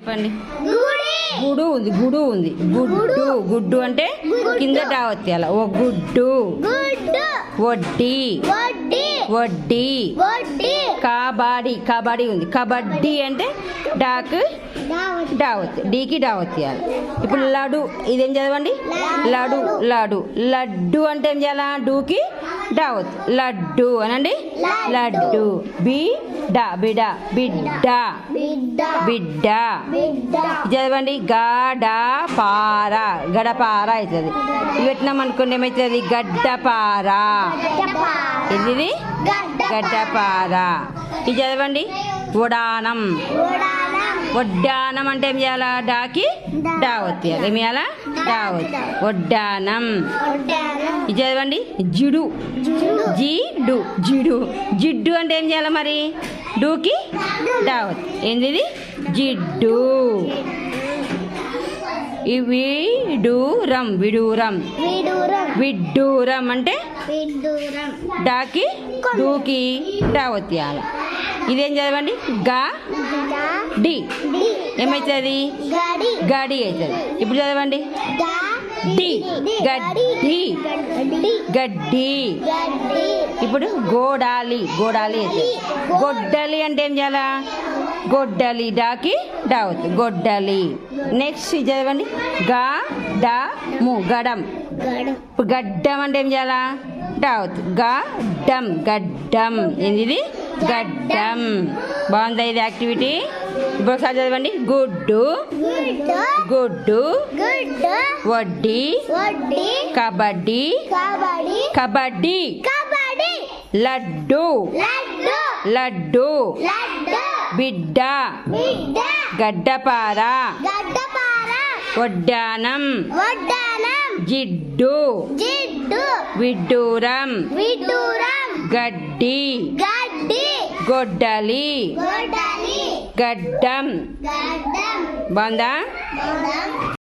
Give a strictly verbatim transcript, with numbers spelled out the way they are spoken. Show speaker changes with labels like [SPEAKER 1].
[SPEAKER 1] చెప్పండి. గుడు ఉంది గుడు ఉంది గుడ్డు గుడ్డు అంటే కింద డావత్తి అలా ఓ గుడ్డు. వడ్డీ వడ్డీ. కబడ్డీ కబడ్డీ ఉంది. కబడ్డీ అంటే డాక్ డావత్తి డీకి డావత్తి అలా. ఇప్పుడు లడు ఇదేం చదవండి. లడు లడు. లడ్డు అంటే ఏం చేయాలా? డూకి డావత్ లడ్డు అనండి. లడ్డు. బి డా బిడ బిడ్డ బిడ్డ చదవండి. గడ పార గడపార అవుతుంది. ఇవి పెట్టినాం అనుకోండి ఏమవుతుంది? గడ్డపార. ఇది గడ్డపార. ఇది చదవండి. ఉడానం వడ్డానం అంటే ఏం చేయాలా? డాకి డావత్ ఏమి చేయాలా? డావత్ వడ్డానం. ఇది చదవండి. జిడు జిడు జిడు జిడ్డు అంటే ఏం చేయాలి మరి? డూకి డావత్ ఏంది? జిడ్డు. విడూరం విడూరం విడ్డూరం అంటే డాకి డూకి డావత్ ఇవ్వాలి. ఇదేం చదవండి. గా డి ఏమవుతుంది? గడి అవుతుంది. ఇప్పుడు చదవండి. డి గడ్డి గడ్డి. ఇప్పుడు గోడాలి గోడాలి అవుతుంది. గొడ్డలి అంటే ఏం చేయాలా? గొడ్డలి డాకి డావత్ గొడ్డలి. నెక్స్ట్ చదవండి. గా డా ము గడం. గడ్డం అంటే ఏం చేయాలా? డావత్ గడ్డం గడ్డం. ఏంది? గడ్డం. బాగుందా ఇది యాక్టివిటీ? ఇప్పుడు ఒకసారి చదవండి. గుడ్డు గుడ్డు వడ్డీ కబడ్డీ కబడ్డీ లడ్డు లడ్డు బిడ్డ గడ్డపార వడ్డానం జిడ్డు విడ్డూరం గడ్డి గొడ్డలి గడ్డం. బాగుందా?